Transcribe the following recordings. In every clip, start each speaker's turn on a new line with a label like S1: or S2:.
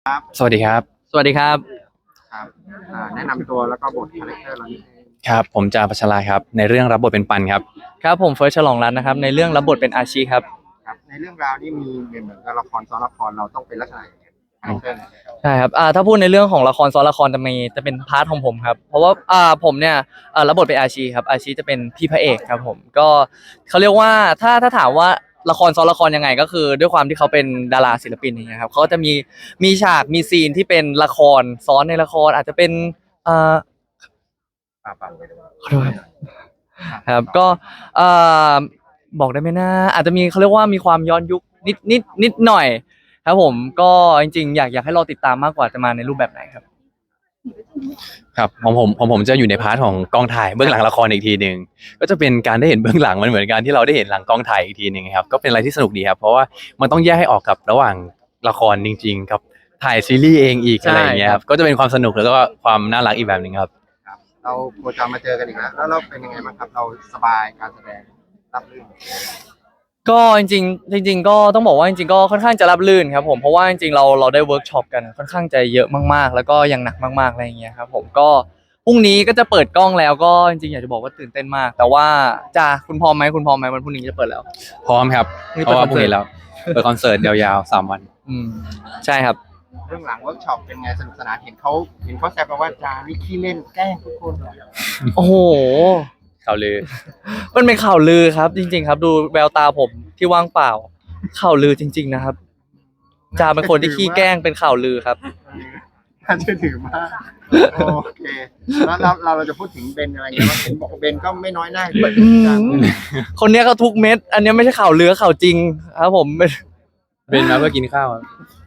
S1: ครับ
S2: สวัสดีครับ
S3: สวัสดีครับ
S1: ครับแนะนำตัวแล้วก็บทคาแรคเตอร์เรานิดนึง
S2: ครับผมจาพัชราครับในเรื่องรับบทเป็นปันครับ
S3: ครับผมเฟิร์สฉลองรัตน์นะครับในเรื่องรับบทเป็นอาชีครับ
S1: ครับในเรื่องราวนี่มีเหมือนกับละครซ้อนละครเราต้องเป็นลักษณะอย่างไรคาแรคเตอร์ไหนครับ
S3: ใช่ครับถ้าพูดในเรื่องของละครซ้อนละครจะเป็นพาร์ทของผมครับเพราะว่าผมเนี่ยรับบทเป็นอาชีครับอาชีจะเป็นพี่พระเอกครับผมก็เขาเรียกว่าถ้าถามว่าละครซ้อนละครยังไงก็คือด้วยความที่เขาเป็นดาราศิลปินอย่างเงี้ยครับเขาก็จะมีฉากมีซีนที่เป็นละครซ้อนในละครอาจจะเป็นอ่า
S1: ป่า
S3: ขอโทษครับก็เอ่อบอกได้ไหมนะอาจจะมีเขาเรียกว่ามีความย้อนยุคนิดหน่อย ครับผมก็จริงๆอยากให้เราติดตามมากกว่าจะมาในรูปแบบไหนครับ
S2: ครับของผมจะอยู่ในพาร์ทของกองถ่ายเบื้องหลังละครอีกทีหนึ่งก็จะเป็นการได้เห็นเบื้องหลังมันเหมือนกันที่เราได้เห็นหลังกองถ่ายอีกทีหนึ่งครับก็เป็นอะไรที่สนุกดีครับเพราะว่ามันต้องแยกให้ออกกับระหว่างละครจริงๆกับถ่ายซีรีส์เองอีกอะไรอย่างเงี้ยครับก็จะเป็นความสนุกแล้วก็ความน่ารักอีกแบบหนึ่งครับ
S1: ครับเราโคจรมาเจอกันอีกแล้วเราเป็นยังไงบ้างครับเราสบายการแสดงรับรื่น
S3: ก็จริงก็ต้องบอกว่าจริงๆก็ค่อนข้างจะราบรื่นครับผมเพราะว่าจริงๆเราได้เวิร์กช็อปกันค่อนข้างจะเยอะมากๆแล้วก็ยังหนักมากๆอะไรอย่างเงี้ยครับผมก็พรุ่งนี้ก็จะเปิดกล้องแล้วก็จริงๆอยากจะบอกว่าตื่นเต้นมากแต่ว่าคุณพร้อมไหมวันพรุ่งนี้จะเปิดแล้ว
S2: พร้อมครับ
S3: นี่
S2: เพราะว่าพรุ่ง
S3: เปิดคอนเสิร์ต
S2: นี้แล้วเปิดคอนเสิร์ตยาวๆ3 วัน
S3: อืมใช่ครับ
S1: เรื่องหลังเวิร์กช็อปเป็นไงสนุกสนานเห็นเขาแซวกันว่าจานี่ขี้เล่นแกล้งทุกคนเลย
S3: โอ้โห
S2: ข่าวลือ
S3: มันเป็นข่าวลือครับจริงๆครับดูแววตาผมที่ว่างเปล่าข่าวลือจริงๆนะครับจาเป็นคนที่ขี้แกล้งเป็นข่าวลือครับ
S1: น่าเชื่อถือมากโอเคแล้วเราจะพูดถึงเบนอะไรเงี้ยว่าเห็นบอกว่าเบนก็ไม่น้อยหน้าด้วย
S3: คนเนี้ยก็ทุกเม็ดอันเนี้ยไม่ใช่ข่าวลือข่าวจริงครับผม
S2: เป็นมาเพื่อกินข้าวครับ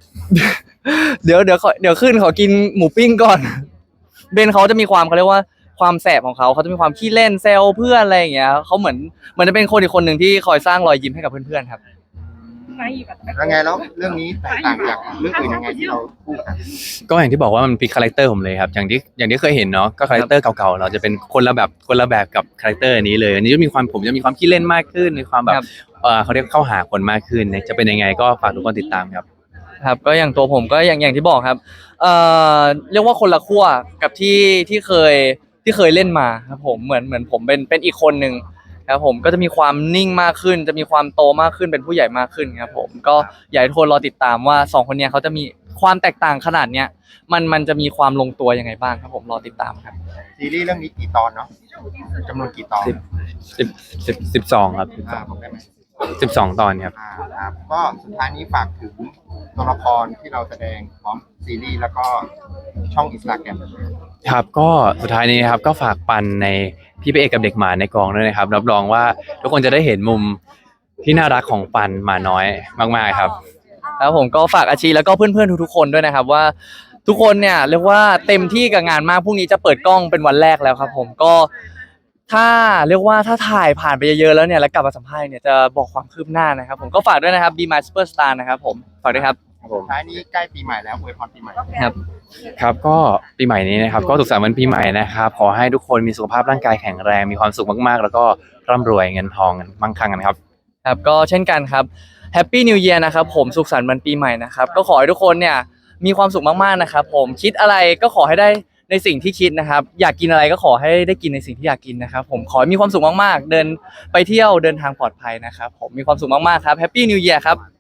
S3: เดี๋ยวขึ้นขอกินหมูปิ้งก่อนเบนเขาจะมีความเขาเรียกว่าความแสบของเขาจะมีความขี้เล่นแซวเพื่อนอะไรอย่างเงี้ยเขาเหมือนจะเป็นคนอีกคนหนึ่งที่คอยสร้างรอยยิ้มให้กับเพื่อนๆครับ
S1: แล้วไงแล้วเรื่องนี้แตกต่างจากเรื่องอื่นยังไงที่เราพูดกัน
S2: ก็อย่างที่บอกว่ามันพลิกคาแรคเตอร์ผมเลยครับอย่างที่เคยเห็นเนาะก็คาแรคเตอร์เก่าๆเราจะเป็นคนละแบบกับคาแรคเตอร์อันนี้เลยอันนี้ผมจะมีความขี้เล่นมากขึ้นมีความแบบเขาเรียกเข้าหาคนมากขึ้นจะเป็นยังไงก็ฝากทุกคนติดตามครับ
S3: ครับก็อย่างตัวผมก็อย่างที่บอกครับเอ่อเรียกว่าคนละขั้วกับที่เคยเล่นมาครับผมเหมือนผมเป็นอีกคนหนึ่งครับผมก็จะมีความนิ่งมากขึ้นจะมีความโตมากขึ้นเป็นผู้ใหญ่มากขึ้นครับผมก็อยากให้ทุกคนรอติดตามว่าสองคนเนี้ยเขาจะมีความแตกต่างขนาดเนี้ยมันจะมีความลงตัวยังไงบ้างครับผมรอติดตามครับ
S1: ซีรีส์เรื่องนี้กี่ตอนเนาะจำนวนกี่ตอน
S2: 12ครับ
S1: ผมได้ไหม
S2: 12 ตอนครับ
S1: ครับก็สุดท้ายนี้ฝากถึงตัวละครที่เราแสดงพร้อมซีรีส์แล้วก็ช่อง Instagram
S2: ครับก็สุดท้ายนี้นะครับก็ฝากปันในพี่พระเอกกับเด็กหมาในกองด้วยนะครับรับรองว่าทุกคนจะได้เห็นมุมที่น่ารักของปันหมาน้อยมากๆครับ
S3: ครับผมก็ฝากอาชีแล้วก็เพื่อนๆทุกๆคนด้วยนะครับว่าทุกคนเนี่ยเรียกว่าเต็มที่กับงานมากพรุ่งนี้จะเปิดกล้องเป็นวันแรกแล้วครับผมก็ถ้าเรียกว่าถ้าถ่ายผ่านไปเยอะๆแล้วเนี่ยแล้วกลับมาสัมภาษณ์เนี่ยจะบอกความคืบหน้านะครับผมก็ฝากด้วยนะครับ Be My Superstar นะครับผมฝากด้วยครับ
S1: ท้ายนี้ใกล้ปีใหม่แล้วอวยพรปีใหม่
S2: ครับก็ปีใหม่นี้นะครับก็สุขสันต์วันปีใหม่นะครับขอให้ทุกคนมีสุขภาพร่างกายแข็งแรงมีความสุขมากๆแล้วก็ร่ำรวยเงินทองมั่งคั่งกันครับ
S3: ครับก็เช่นกันครับแฮปปี้นิวเยียร์นะครับผมสุขสันต์วันปีใหม่นะครับก็ขอให้ทุกคนเนี่ยมีความสุขมากๆนะครับผมคิดอะไรก็ขอให้ได้ในสิ่งที่คิดนะครับอยากกินอะไรก็ขอให้ได้กินในสิ่งที่อยากกินนะครับผมขอให้มีความสุขมากๆเดินไปเที่ยวเดินทางปลอดภัยนะครับผมมีความสุขมากๆครับแฮปปี้นิวเยียร์ครับ